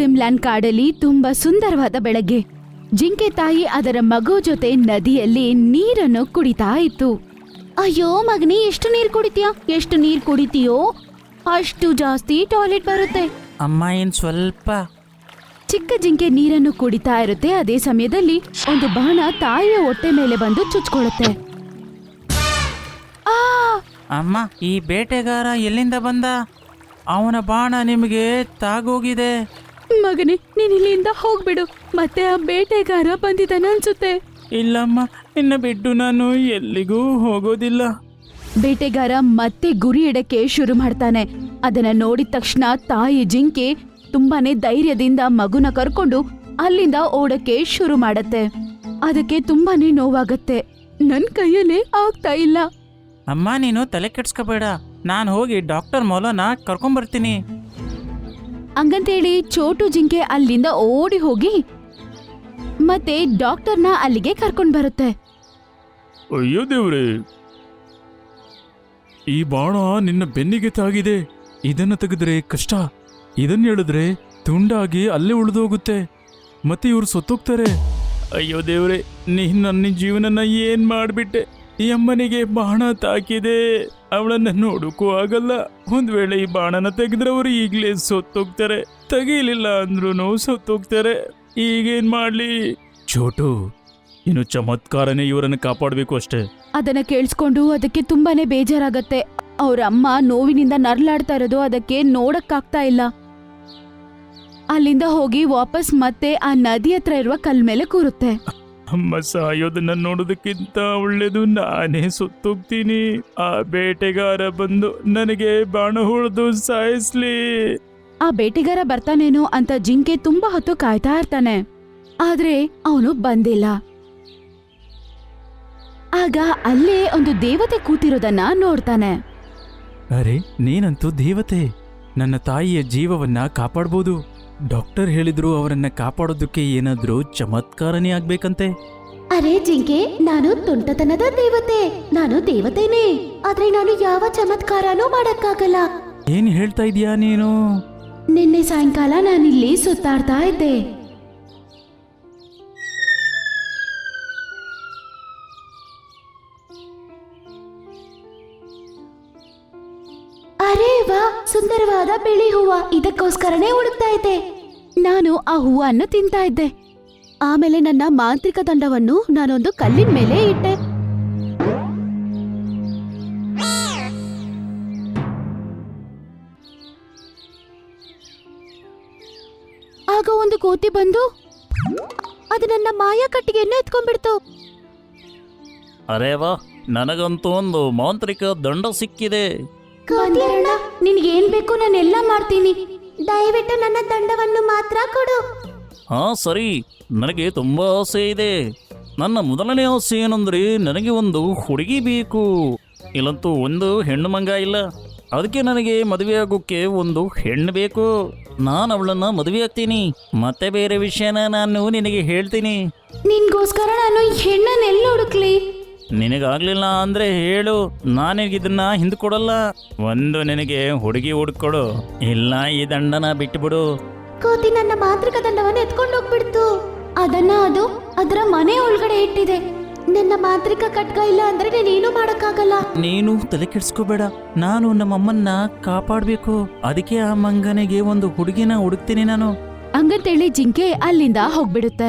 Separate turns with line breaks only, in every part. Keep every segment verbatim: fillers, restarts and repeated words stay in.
ಡ್ರೀಮ್ಲ್ಯಾಂಡ್ ಕಾಡಲ್ಲಿ ತುಂಬಾ ಸುಂದರವಾದ ಬೆಳಗ್ಗೆ. ಜಿಂಕೆ ತಾಯಿ ಅದರ ಮಗು ಜೊತೆ ನದಿಯಲ್ಲಿ ನೀರನ್ನು ಕುಡಿತಾ ಇತ್ತು. ಅಯ್ಯೋ ಮಗನೇ, ಎಷ್ಟು ನೀರ್ ಕುಡಿತೀಯ? ಎಷ್ಟು ನೀರ್ ಕುಡಿತೀಯೋ ಅಷ್ಟು ಜಾಸ್ತಿ ಟಾಯ್ಲೆಟ್ ಬರುತ್ತೆ.
ಅಮ್ಮ ಏನ್ ಸ್ವಲ್ಪ.
ಚಿಕ್ಕ ಜಿಂಕೆ ನೀರನ್ನು ಕುಡಿತಾ ಇರುತ್ತೆ. ಅದೇ ಸಮಯದಲ್ಲಿ ಒಂದು ಬಾಣ ತಾಯಿಯ ಹೊಟ್ಟೆ ಮೇಲೆ ಬಂದು ಚುಚ್ಕೊಳ್ಳುತ್ತೆ. ಆ
ಅಮ್ಮ, ಈ ಬೇಟೆಗಾರ ಎಲ್ಲಿಂದ ಬಂದ? ಅವನ ಬಾಣ ನಿಮಗೆ ತಾಗೋಗಿದೆ.
ಮಗನೇ, ನೀನ್ ಇಲ್ಲಿಂದ ಹೋಗ್ಬಿಡು. ಮತ್ತೆ ಆ ಬೇಟೆಗಾರ ಬಂದಿದ್ದಾನೆ ಅನ್ಸುತ್ತೆ.
ಇಲ್ಲಮ್ಮ, ನಿನ್ನ ಬಿಟ್ಟು ನಾನು ಎಲ್ಲಿಗೂ ಹೋಗೋದಿಲ್ಲ.
ಬೇಟೆಗಾರ ಮತ್ತೆ ಗುರಿ ಇಡಕ್ಕೆ ಶುರು ಮಾಡ್ತಾನೆ. ಅದನ್ನ ನೋಡಿದ ತಕ್ಷಣ ತಾಯಿ ಜಿಂಕೆ ತುಂಬಾನೇ ಧೈರ್ಯದಿಂದ ಮಗುನ ಕರ್ಕೊಂಡು ಅಲ್ಲಿಂದ ಓಡಕ್ಕೆ ಶುರು ಮಾಡತ್ತೆ. ಅದಕ್ಕೆ ತುಂಬಾನೇ ನೋವಾಗತ್ತೆ. ನನ್ ಕೈಯಲ್ಲೇ ಆಗ್ತಾ ಇಲ್ಲ.
ಅಮ್ಮ, ನೀನು ತಲೆ ಕೆಡ್ಸ್ಕೋಬೇಡ. ನಾನು ಹೋಗಿ ಡಾಕ್ಟರ್ ಮೊಲನ ಕರ್ಕೊಂಬರ್ತೀನಿ.
ಹಂಗಂತೇಳಿ ಚೋಟು ಜಿಂಕೆ ಅಲ್ಲಿಂದ ಓಡಿ ಹೋಗಿ ಮತ್ತೆ ಡಾಕ್ಟರ್ನ ಅಲ್ಲಿಗೆ ಕರ್ಕೊಂಡ್ ಬರುತ್ತೆ.
ಅಯ್ಯೋ ದೇವ್ರೆ, ಈ ಬಾಣ ನಿನ್ನ ಬೆನ್ನಿಗೆ ತಾಗಿದೆ. ಇದನ್ನ ತೆಗೆದ್ರೆ ಕಷ್ಟ. ಇದನ್ನ ಹೇಳಿದ್ರೆ ತುಂಡಾಗಿ ಅಲ್ಲೇ ಉಳಿದೋಗುತ್ತೆ. ಮತ್ತೆ ಇವ್ರು ಸತ್ತೋಗ್ತಾರೆ. ಅಯ್ಯೋ ದೇವ್ರೆ, ನೀನ್ ನನ್ನ ಜೀವನನ ಏನ್ ಮಾಡ್ಬಿಟ್ಟೆ. ಈ ಅಮ್ಮನಿಗೆ ಬಾಣ ತಾಕಿದೆ. ಅವಳನ್ನ ನೋಡಕ್ಕೂ ಆಗಲ್ಲ. ಒಂದ್ ವೇಳೆ ಈ ಬಾಣನ ತೆಗೆದ್ರೆ ಅವರು ಈಗ್ಲೇ ಸತ್ತೋಗ್ತಾರೆ. ತೆಗೀಲಿಲ್ಲ ಅಂದ್ರೂ ಸತ್ತೋಗ್ತಾರೆ. ಈಗೇನ್ ಮಾಡ್ಲಿ? ಚೋಟು, ಇನ್ನು ಚಮತ್ಕಾರನೇ ಇವರನ್ನು ಕಾಪಾಡಬೇಕು ಅಷ್ಟೇ.
ಅದನ್ನ ಕೇಳಿಸ್ಕೊಂಡು ಅದಕ್ಕೆ ತುಂಬಾನೇ ಬೇಜಾರಾಗತ್ತೆ. ಅವ್ರ ಅಮ್ಮ ನೋವಿನಿಂದ ನರ್ಲಾಡ್ತಾ ಇರೋದು ಅದಕ್ಕೆ ನೋಡಕ್ಕಾಗ್ತಾ ಇಲ್ಲ. ಅಲ್ಲಿಂದ ಹೋಗಿ ವಾಪಸ್ ಮತ್ತೆ ಆ ನದಿ ಹತ್ರ ಇರುವ ಕಲ್ ಮೇಲೆ ಕೂರುತ್ತೆ.
ಅಮ್ಮ ಸಾಯೋದನ್ನ ನೋಡೋದಕ್ಕಿಂತ ಒಳ್ಳೇದು ನಾನೇ ಸುತ್ತೋಗ್ತೀನಿ. ಆ ಬೇಟೆಗಾರ ಬಂದು ನನಗೆ ಬಾಣ ಹೊಡೆದು ಸಾಯಿಸ್ಲಿ.
ಆ ಬೇಟೆಗಾರ ಬರ್ತಾನೇನೋ ಅಂತ ಜಿಂಕೆ ತುಂಬಾ ಹೊತ್ತು ಕಾಯ್ತಾ ಇರ್ತಾನೆ. ಆದ್ರೆ ಅವನು ಬಂದಿಲ್ಲ. ಆಗ ಅಲ್ಲೇ ಒಂದು ದೇವತೆ ಕೂತಿರೋದನ್ನ ನೋಡ್ತಾನೆ.
ಅರೆ, ನೀನಂತೂ ದೇವತೆ. ನನ್ನ ತಾಯಿಯ ಜೀವವನ್ನ ಕಾಪಾಡ್ಬೋದು. ಡಾಕ್ಟರ್ ಹೇಳಿದ್ರು ಅವರನ್ನ ಕಾಪಾಡೋದಕ್ಕೆ ಏನಾದ್ರೂ ಚಮತ್ಕಾರನೇ ಆಗ್ಬೇಕಂತೆ.
ಅರೆ ಜಿಂಕೆ, ನಾನು ತುಂಟತನದ ದೇವತೆ. ನಾನು ದೇವತೆನೇ, ಆದ್ರೆ ನಾನು ಯಾವ ಚಮತ್ಕಾರನೂ ಮಾಡಕ್ಕಾಗಲ್ಲ.
ಏನ್ ಹೇಳ್ತಾ ಇದೀಯಾ ನೀನು?
ನಿನ್ನೆ ಸಾಯಂಕಾಲ ನಾನಿಲ್ಲಿ ಸುತ್ತಾಡ್ತಾ ಇದ್ದೆ.
ಅರೆ ವಾ, ಸುಂದರವಾದ ಬಿಳಿ ಹೂವ. ಇದಕ್ಕೋಸ್ಕರನೇ ಹುಡುಕ್ತಾ ಇದ್ದೆ.
ನಾನು ಆ ಹೂವನ್ನು ತಿಂತಾ ಇದ್ದೆ. ಆಮೇಲೆ ನನ್ನ ಮಾಂತ್ರಿಕ ದಂಡವನ್ನು ನಾನೊಂದು ಕಲ್ಲಿನ ಮೇಲೆ ಇಟ್ಟೆ. ಆಗ ಒಂದು ಕೋತಿ ಬಂದು ಅದು ನನ್ನ ಮಾಯಾ ಕಟ್ಟಿಗೆಯನ್ನು ಎತ್ಕೊಂಡ್ಬಿಡ್ತು.
ಅರೇ ವಾ, ನನಗಂತೂ ಒಂದು ಮಾಂತ್ರಿಕ ದಂಡ ಸಿಕ್ಕಿದೆ.
ಕೋತಿಯಣ್ಣ, ನಿನ್ಗೇನ್ ಬೇಕು ನಾನೆಲ್ಲ ಮಾಡ್ತೀನಿ. ದಯವಿಟ್ಟು ನನ್ನ ದಂಡವನ್ನು ಮಾತ್ರ ಕೊಡು.
ಹಾ ಸರಿ, ನನಗೆ ತುಂಬಾ ಆಸೆ ಇದೆ. ನನ್ನ ಮೊದಲನೇ ಆಸೆ ಏನಂದ್ರೆ ನನಗೆ ಒಂದು ಹುಡುಗಿ ಬೇಕು. ಇಲ್ಲಂತೂ ಒಂದು ಹೆಣ್ಣು ಮಂಗ ಇಲ್ಲ. ಅದಕ್ಕೆ ನನಗೆ ಮದುವೆ ಆಗೋಕ್ಕೆ ಒಂದು ಹೆಣ್ಣು ಬೇಕು. ನಾನು ಅವಳನ್ನ ಮದುವೆ ಆಗ್ತೀನಿ. ಮತ್ತೆ ಬೇರೆ ವಿಷಯನ ನಾನು ನಿನಗೆ ಹೇಳ್ತೀನಿ.
ನಿನ್ಗೋಸ್ಕರ ನಾನು ಈ ಹೆಣ್ಣನ್ನ ಎಲ್ಲಿ ಹುಡುಕ್ಲಿ?
ನಿನಗಾಗ್ಲಿಲ್ಲ ಅಂದ್ರೆ ಹೇಳು, ನಾನಿಗಿದನ್ನ ಹಿಂದ್ಕೊಡಲ್ಲ. ಒಂದು ನಿನಗೆ ಹುಡುಗಿ ಹುಡುಕೊಡು, ಇಲ್ಲ ಈ ದಂಡನ ಬಿಟ್ಟುಬಿಡು.
ಕೋತಿ ನನ್ನ ಮಾಂತ್ರಿಕ ದಂಡವನ್ನು ಎತ್ಕೊಂಡು ಹೋಗ್ಬಿಡ್ತು. ಅದನ್ನ ಅದು ಅದರ ಮನೆ ಒಳಗಡೆ ಇಟ್ಟಿದೆ. ನನ್ನ ಮಾಂತ್ರಿಕ ಖಡ್ಗ ಇಲ್ಲ ಅಂದ್ರೆ ನಾನೇನು ಮಾಡಕ್ಕಾಗಲ್ಲ.
ನೀನು ತಲೆ ಕೆಡ್ಸ್ಕೋಬೇಡ. ನಾನು ನಮ್ಮಮ್ಮನ್ನ ಕಾಪಾಡ್ಬೇಕು. ಅದಕ್ಕೆ ಆ ಮಂಗನಿಗೆ ಒಂದು ಹುಡುಗಿನ ಹುಡುಕ್ತೀನಿ ನಾನು.
ಹಂಗಂತೇಳಿ ಜಿಂಕೆ ಅಲ್ಲಿಂದ ಹೋಗ್ಬಿಡುತ್ತೆ.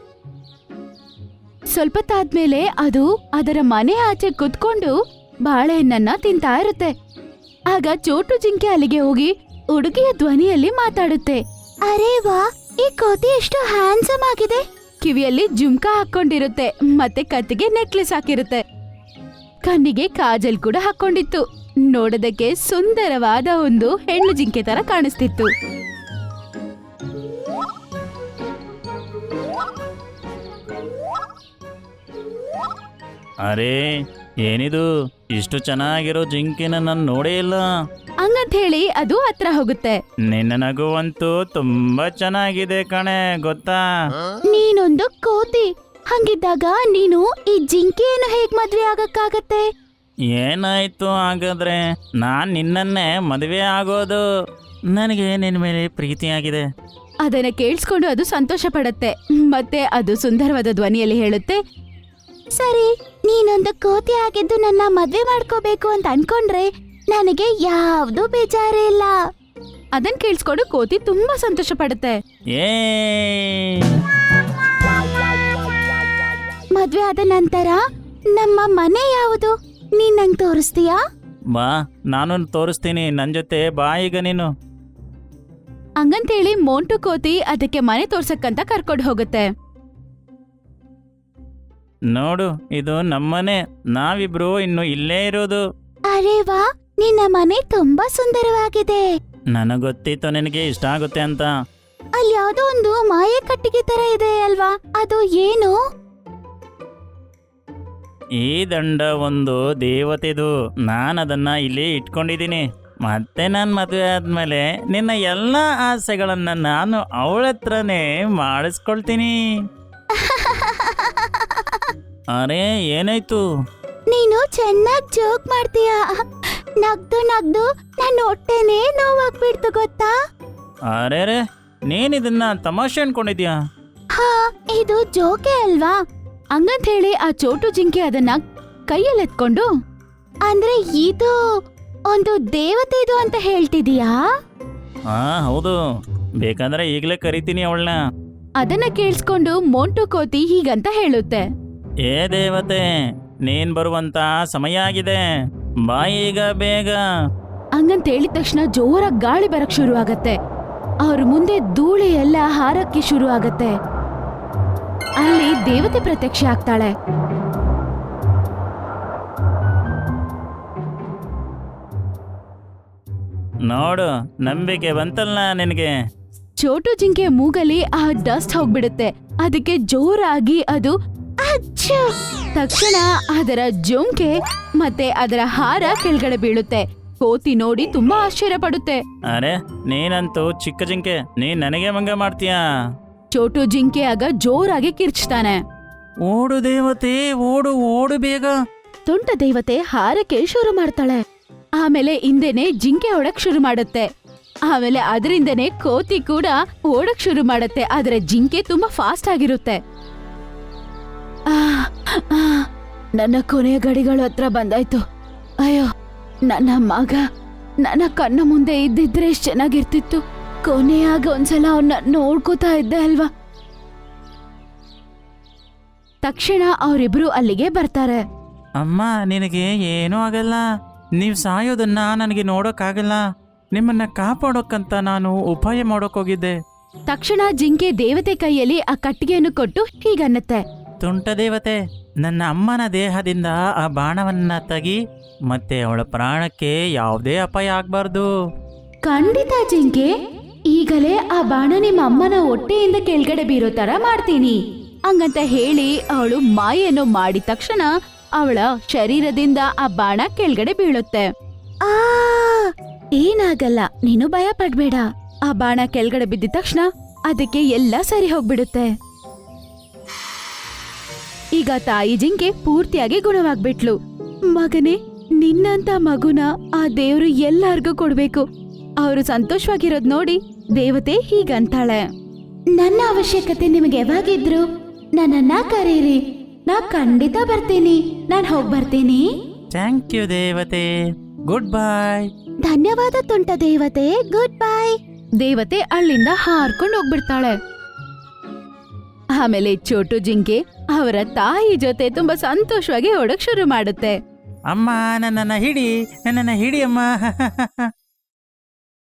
ಸ್ವಲ್ಪ ತಾದ್ಮೇಲೆ ಅದು ಅದರ ಮನೆ ಆಚೆ ಕುತ್ಕೊಂಡು ಬಾಳೆಹಣ್ಣನ್ನ ತಿಂತಾ ಇರುತ್ತೆ. ಆಗ ಚೋಟು ಜಿಂಕೆ ಅಲ್ಲಿಗೆ ಹೋಗಿ ಹುಡುಗಿಯ ಧ್ವನಿಯಲ್ಲಿ ಮಾತಾಡುತ್ತೆ.
ಅರೆ ವಾ, ಈ ಕೋತಿ ಎಷ್ಟು ಹ್ಯಾಂಡ್ಸಮ್ ಆಗಿದೆ.
ಕಿವಿಯಲ್ಲಿ ಜುಮ್ಕಾ ಹಾಕೊಂಡಿರುತ್ತೆ ಮತ್ತೆ ಕತ್ತಿಗೆ ನೆಕ್ಲೆಸ್ ಹಾಕಿರುತ್ತೆ. ಕಣ್ಣಿಗೆ ಕಾಜಲ್ ಕೂಡ ಹಾಕೊಂಡಿತ್ತು. ನೋಡೋದಕ್ಕೆ ಸುಂದರವಾದ ಒಂದು ಹೆಣ್ಣು ಜಿಂಕೆ ತರ ಕಾಣಿಸ್ತಿತ್ತು.
ಅರೇ, ಏನಿದು? ಇಷ್ಟು ಚೆನ್ನಾಗಿರೋ ಜಿಂಕೆನ ನಾನು ನೋಡೇ ಇಲ್ಲ.
ಹಂಗಂತ ಹೇಳಿ ಅದು ಹತ್ರ ಹೋಗುತ್ತೆ.
ನಿನ್ನ ನಗುವಂತೂ ತುಂಬಾ ಚೆನ್ನಾಗಿದೆ ಕಣೆ, ಗೊತ್ತಾ?
ನೀನೊಂದು ಕೋತಿ. ಹಂಗಿದ್ದಾಗ ನೀನು ಈ ಜಿಂಕೆಯನ್ನು ಹೇಗ್ ಮದ್ವೆ ಆಗಕ್ಕಾಗತ್ತೆ?
ಏನಾಯ್ತು ಹಾಗಾದ್ರೆ? ನಾನ್ ನಿನ್ನನ್ನೇ ಮದುವೆ ಆಗೋದು. ನನಗೆ ನಿನ್ನ ಮೇಲೆ ಪ್ರೀತಿಯಾಗಿದೆ.
ಅದನ್ನ ಕೇಳಿಸ್ಕೊಂಡು ಅದು ಸಂತೋಷ ಪಡುತ್ತೆ ಮತ್ತೆ ಅದು ಸುಂದರವಾದ ಧ್ವನಿಯಲ್ಲಿ ಹೇಳುತ್ತೆ,
ಸರಿ, ನೀನೊಂದು ಕೋತಿ ಆಗಿದ್ದು ನನ್ನ ಮದ್ವೆ ಮಾಡ್ಕೋಬೇಕು ಅಂತ ಅನ್ಕೊಂಡ್ರೆ ನನಗೆ ಯಾವ್ದು ಬೇಜಾರೇ ಇಲ್ಲ.
ಅದನ್ನ ಕೇಳಿಸ್ಕೊಂಡು ಕೋತಿ ತುಂಬಾ ಸಂತೋಷ ಪಡುತ್ತೆ.
ಏ
ಮದ್ವೆ ಆದ ನಂತರ ನಮ್ಮ ಮನೆ ಯಾವುದು ನೀನ್ ನಂಗೆ ತೋರಿಸ್ತೀಯಾ?
ಬಾ, ನಾನು ತೋರಿಸ್ತೀನಿ. ನನ್ನ ಜೊತೆ ಬಾ ಈಗ ನೀನು.
ಹಂಗಂತೇಳಿ ಮೋಂಟು ಕೋತಿ ಅದಕ್ಕೆ ಮನೆ ತೋರ್ಸಕ್ಕಂತ ಕರ್ಕೊಂಡು ಹೋಗುತ್ತೆ.
ನೋಡು, ಇದು ನಮ್ಮನೆ. ನಾವಿಬ್ರು ಇನ್ನು ಇಲ್ಲೇ ಇರೋದು.
ಅರೆ ವಾ, ನಿನ್ನ ಮನೆ ತುಂಬಾ ಸುಂದರವಾಗಿದೆ.
ನನಗೆ ಗೊತ್ತಿತ್ತು ನಿನಗೆ ಇಷ್ಟ ಆಗುತ್ತೆ ಅಂತ.
ಅಲ್ಲಿ ಯಾವ್ದೋ ಒಂದು ಮಾಯೆ ಕಟ್ಟಿಗೆ ತರ ಇದೆ ಅಲ್ವಾ, ಅದು ಏನು?
ಈ ದಂಡ ಒಂದು ದೇವತೆದು. ನಾನು ಅದನ್ನ ಇಲ್ಲಿ ಇಟ್ಕೊಂಡಿದ್ದೀನಿ. ಮತ್ತೆ ನಾನು ಮದುವೆ ಆದ್ಮೇಲೆ ನಿನ್ನ ಎಲ್ಲ ಆಸೆಗಳನ್ನ ನಾನು ಅವಳ ಹತ್ರನೇ ಮಾಡಿಸ್ಕೊಳ್ತೀನಿ. ಅರೆ, ಏನಾಯ್ತು?
ನೀನು ಚೆನ್ನಾಗ್ ಜೋಕ್ ಮಾಡ್ತೀಯ. ನಗ್ದು ನಗ್ದು ನನ್ನ ಹೊಟ್ಟೆನೇ ನೋವಾಗ್ಬಿಡ್ತು ಗೊತ್ತಾ?
ಅರೆ ರೇ, ನೀನಿದನ್ನ ತಮಾಷೆ ಅನ್ಕೊಂಡಿದ್ಯಾ?
ಹಾ, ಇದು ಜೋಕೆ ಅಲ್ವಾ?
ಹಂಗಂತ ಹೇಳಿ ಆ ಚೋಟು ಜಿಂಕೆ ಅದನ್ನ ಕೈಯಲ್ಲಿ ಎತ್ಕೊಂಡು,
ಅಂದ್ರೆ ಇದು ಒಂದು ದೇವತೆ ಇದು ಅಂತ ಹೇಳ್ತಿದೀಯಾ?
ಹಾ ಹೌದು, ಬೇಕಾದ್ರೆ ಈಗಲೇ ಕರಿತೀನಿ ಅವಳನ್ನ.
ಅದನ್ನ ಕೇಳಿಸ್ಕೊಂಡು ಮೋಂಟು ಕೋತಿ ಹೀಗಂತ ಹೇಳುತ್ತೆ,
ಏ ದೇವತೆ, ನೀನ್ ಬರುವಂತ ಸಮಯ ಆಗಿದೆ. ಬಾ ಈಗ ಬೇಗ.
ಹಂಗಂತ ಹೇಳಿದ ತಕ್ಷಣ ಜೋರಾಗಿ ಗಾಳಿ ಬರಕ್ ಶುರು ಆಗತ್ತೆ. ಅವ್ರ ಮುಂದೆ ಧೂಳಿ ಎಲ್ಲ ಹಾರಕ್ಕೆ ಶುರು ಆಗತ್ತೆ. ಅಲ್ಲಿ ದೇವತೆ ಪ್ರತ್ಯಕ್ಷ ಆಗ್ತಾಳೆ.
ನೋಡು, ನಂಬಿಕೆ ಬಂತಲ್ಲ ನಿನಗೆ.
ಚೋಟು ಜಿಂಕೆ ಮೂಗಲಿ ಆ ಡಸ್ಟ್ ಹೋಗ್ಬಿಡುತ್ತೆ. ಅದಕ್ಕೆ ಜೋರಾಗಿ ಅದು
ಅಚ್ಚು!
ತಕ್ಷಣ ಅದರ ಜೊಂಕೆ ಮತ್ತೆ ಅದರ ಹಾರ ಕೆಳಗಡೆ ಬೀಳುತ್ತೆ. ಕೋತಿ ನೋಡಿ ತುಂಬಾ ಆಶ್ಚರ್ಯ ಪಡುತ್ತೆ.
ಅರೆ, ನೀನಂತೂ ಚಿಕ್ಕ ಜಿಂಕೆ, ನೀನ್ ನನಗೆ ಮಂಗ ಮಾಡ್ತೀಯಾ?
ಚೋಟು ಜಿಂಕೆ ಆಗ ಜೋರಾಗಿ ಕಿರ್ಚ್ತಾನೆ.
ಓಡು ದೇವತೆ, ಓಡು ಓಡು ಬೇಗ.
ತುಂಟ ದೇವತೆ ಹಾರಕ್ಕೆ ಶುರು ಮಾಡ್ತಾಳೆ. ಆಮೇಲೆ ಹಿಂದೆನೆ ಜಿಂಕೆ ಓಡಕ್ ಶುರು ಮಾಡುತ್ತೆ. ಆಮೇಲೆ ಅದರಿಂದನೇ ಕೋತಿ ಕೂಡ ಓಡಕ್ ಶುರು ಮಾಡುತ್ತೆ. ಆದ್ರೆ ಜಿಂಕೆ ತುಂಬಾ ಫಾಸ್ಟ್ ಆಗಿರುತ್ತೆ. ಆ, ಆ, ನನ್ನ ಕೊನೆಯ ಗಡಿಗಳು ಹತ್ರ ಬಂದಾಯ್ತು. ಅಯ್ಯೋ, ನನ್ನ ಮಗ ನನ್ನ ಕಣ್ಣ ಮುಂದೆ ಇದ್ದಿದ್ರೆ ಎಷ್ಟ್ ಚೆನ್ನಾಗಿರ್ತಿತ್ತು. ಕೊನೆಯಾಗ ಒಂದ್ಸಲ ಅವನ್ನ ನೋಡ್ಕೋತಾ ಇದ್ದೆ ಅಲ್ವಾ. ತಕ್ಷಣ ಅವರಿಬ್ರು ಅಲ್ಲಿಗೆ ಬರ್ತಾರೆ.
ಅಮ್ಮ, ನಿನಗೆ ಏನೂ ಆಗಲ್ಲ. ನೀವ್ ಸಾಯೋದನ್ನ ನನಗೆ ನೋಡೋಕ್ಕಾಗಲ್ಲ. ನಿಮ್ಮನ್ನ ಕಾಪಾಡೋಕ್ಕಂತ ನಾನು ಉಪಾಯ ಮಾಡೋಕೋಗಿದ್ದೆ.
ತಕ್ಷಣ ಜಿಂಕೆ ದೇವತೆ ಕೈಯಲ್ಲಿ ಆ ಕಟ್ಟಿಗೆಯನ್ನು ಕೊಟ್ಟು ಹೀಗನ್ನತ್ತೆ,
ತುಂಟ ದೇವತೆ, ನನ್ನ ಅಮ್ಮನ ದೇಹದಿಂದ ಆ ಬಾಣವನ್ನ ತೆಗಿ. ಮತ್ತೆ ಅವಳ ಪ್ರಾಣಕ್ಕೆ ಯಾವುದೇ ಅಪಾಯ ಆಗ್ಬಾರ್ದು.
ಖಂಡಿತ ಜಿಂಕೆ, ಈಗಲೇ ಆ ಬಾಣ ನಿಮ್ಮ ಅಮ್ಮನ ಹೊಟ್ಟೆಯಿಂದ ಕೆಳಗಡೆ ಬೀರೋ ತರ ಮಾಡ್ತೀನಿ ಹಂಗಂತ ಹೇಳಿ ಅವಳು ಮಾಯನ್ನು ಮಾಡಿದ ತಕ್ಷಣ ಅವಳ ಶರೀರದಿಂದ ಆ ಬಾಣ ಕೆಳಗಡೆ ಬೀಳುತ್ತೆ.
ಆ
ಏನಾಗಲ್ಲ, ನೀನು ಭಯ ಪಡ್ಬೇಡ. ಆ ಬಾಣ ಕೆಳಗಡೆ ಬಿದ್ದ ತಕ್ಷಣ ಅದಕ್ಕೆ ಎಲ್ಲ ಸರಿ ಹೋಗ್ಬಿಡುತ್ತೆ. ಈಗ ತಾಯಿ ಜಿಂಕೆ ಪೂರ್ತಿಯಾಗಿ ಗುಣವಾಗ್ಬಿಟ್ಲು. ಮಗನೇ, ನಿನ್ನಂತ ಮಗುನ ಆ ದೇವ್ರು ಎಲ್ಲಾರ್ಗೂ ಕೊಡ್ಬೇಕು. ಅವರು ಸಂತೋಷವಾಗಿರೋದ್ ನೋಡಿ ದೇವತೆ ಹೀಗಂತಾಳೆ,
ನನ್ನ ಅವಶ್ಯಕತೆ ನಿಮಗೆ ಯಾವಾಗಿದ್ರು ನನ್ನನ್ನ ಕರೀರಿ, ನಾ ಖಂಡಿತ ಬರ್ತೀನಿ. ನಾನ್ ಹೋಗ್ ಬರ್ತೀನಿ.
ಥ್ಯಾಂಕ್ ಯು ದೇವತೆ, ಗುಡ್ ಬಾಯ್.
ಧನ್ಯವಾದ ತುಂಟ ದೇವತೆ, ಗುಡ್ ಬೈ.
ದೇವತೆ ಅಲ್ಲಿಂದ ಹಾರ್ಕೊಂಡು ಹೋಗ್ಬಿಡ್ತಾಳೆ. ಆಮೇಲೆ ಚೋಟು ಜಿಂಕೆ ಅವರ ತಾಯಿ ಜೊತೆ ತುಂಬಾ ಸಂತೋಷವಾಗಿ ಓಡಕ್ ಶುರು ಮಾಡುತ್ತೆ.
ಅಮ್ಮ, ನನ್ನನ್ನ ಹಿಡಿ, ನನ್ನನ್ನ ಹಿಡಿ ಅಮ್ಮ.